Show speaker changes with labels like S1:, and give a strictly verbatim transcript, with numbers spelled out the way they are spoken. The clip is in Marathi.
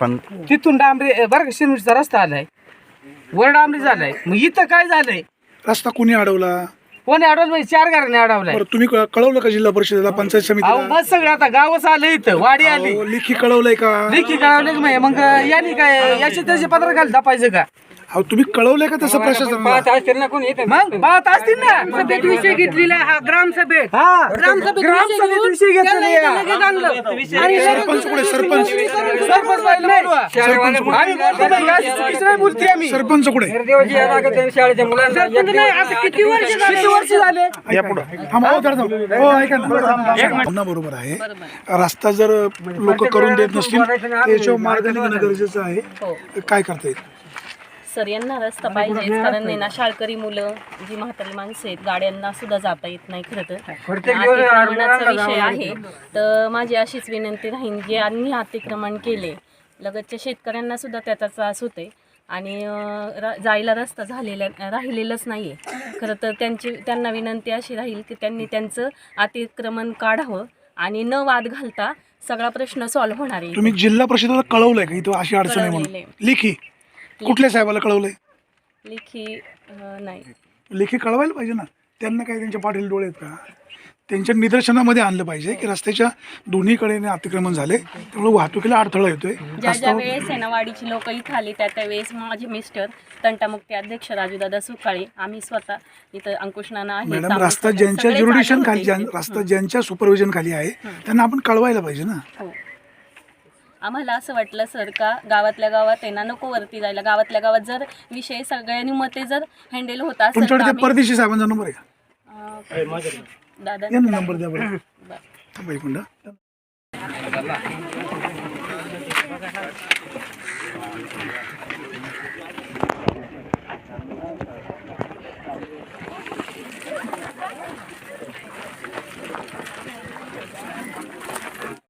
S1: पण
S2: तिथून डांबरी बरं का शिरमिटचा रस्ता आलाय, वर डांबरी झालाय. मग इथं काय झालंय,
S3: रस्ता कोणी अडवला?
S2: कोणी अडवलं म्हणजे चार घरांनी अडवलाय.
S3: बरं तुम्ही क- कळवलं का जिल्हा परिषदेला, पंचायत
S2: अहो
S3: समितीला?
S2: बस सगळं आता गावच आलं, इथं वाडी आली,
S3: अहो, लेखी कळवलंय का?
S2: लेखी कळवले की मग यांनी काय याचे त्याचे पत्र घाल दापायचं का?
S3: अहो तुम्ही कळवलंय का तसं प्रशासनाला?
S2: मग बात असतील ना,
S4: सभेत विषय घेतलेला हा ग्रामसभेत
S2: हा
S4: ग्रामसभेत
S2: ग्रामसभेत विषय घेतलेला आहे.
S4: आणि
S3: सरपंच कुठे? सरपंच
S2: सरपंच बाई नाही. आम्ही बोलतो नाही, अशी चुकीचं नाही बोलते आम्ही.
S3: सरपंच कुठे?
S4: सरपंच नाही, आता किती वर्ष झाले?
S2: किती वर्ष झाले?
S3: या पुढं थांबा. हो, जरा थांबा. हो, ऐका ना. पुन्हा बरोबर आहे, रस्ता जर लोक करून देत नसतील त्याच्यावर मार्ग निघणं गरजेचं आहे. काय करता येईल?
S5: सर यांना रस्ता पाहिजे, कारण आहे ना शाळकरी मुलं, जी म्हातारी माणसं आहेत, गाड्यांना सुद्धा जाता येत नाही. खरं तर अतिक्रमणाचा विषय आहे, तर माझी अशीच विनंती राहील, जे यांनी अतिक्रमण केले लगतच्या शेतकऱ्यांना सुद्धा त्याचा त्रास होते आणि र जायला रस्ता झालेला राहिलेलाच नाही आहे. खरं तर त्यांची त्यांना विनंती अशी राहील की त्यांनी त्यांचं अतिक्रमण काढावं आणि न वाद घालता सगळा प्रश्न सॉल्व्ह होणार आहे.
S3: तुम्ही जिल्हा परिषदेला कळवलंय का इथं अशी अडचण आहे म्हणून?
S5: कळवलेलं
S3: लेखी कुठल्या साहेबाला कळवलंय?
S5: लेखी अं, नाही
S3: लेखी कळवायला पाहिजे ना. त्यांना काय त्यांच्या पाठील डोळे आहेत का? त्यांच्या निदर्शनामध्ये आणलं पाहिजे की रस्त्याच्या दोन्हीकडे अतिक्रमण झाले, त्यामुळे वाहतुकीला अडथळा येतोय.
S5: ज्या ज्या वेळेस आहे ना वाडीची लोक इथं आली त्या त्यावेळेस माझे मिस्टर तंटामुक्ती अध्यक्ष राजूदादा सुकाळे, आम्ही स्वतः इथं अंकुश नाना आहेत,
S3: मॅडम,
S5: आम्ही
S3: रस्ता
S5: सगळे-
S3: ज्यांच्या
S5: सगळेच
S3: ज्युरिडिशन
S5: आले
S3: खाली
S5: होते.
S3: ज्यां- रस्ता ज्यांच्या सुपरविजन खाली आहे त्यांना आपण कळवायला पाहिजे ना.
S5: हो. आम्हाला असं वाटलं सर का गावातल्या गावात आहे ना नको वरती जायला, गावातल्या गावात जर विषय सगळ्यांनी मते जर हँडल होत असेल तर
S3: तुमच्याकडे ते
S5: आम्ही-
S3: परदेशी साहेबांचा नंबर आहे का?
S5: अं, दादा
S3: या ना नंबर द्या बरं. थांबा एक मिनिट.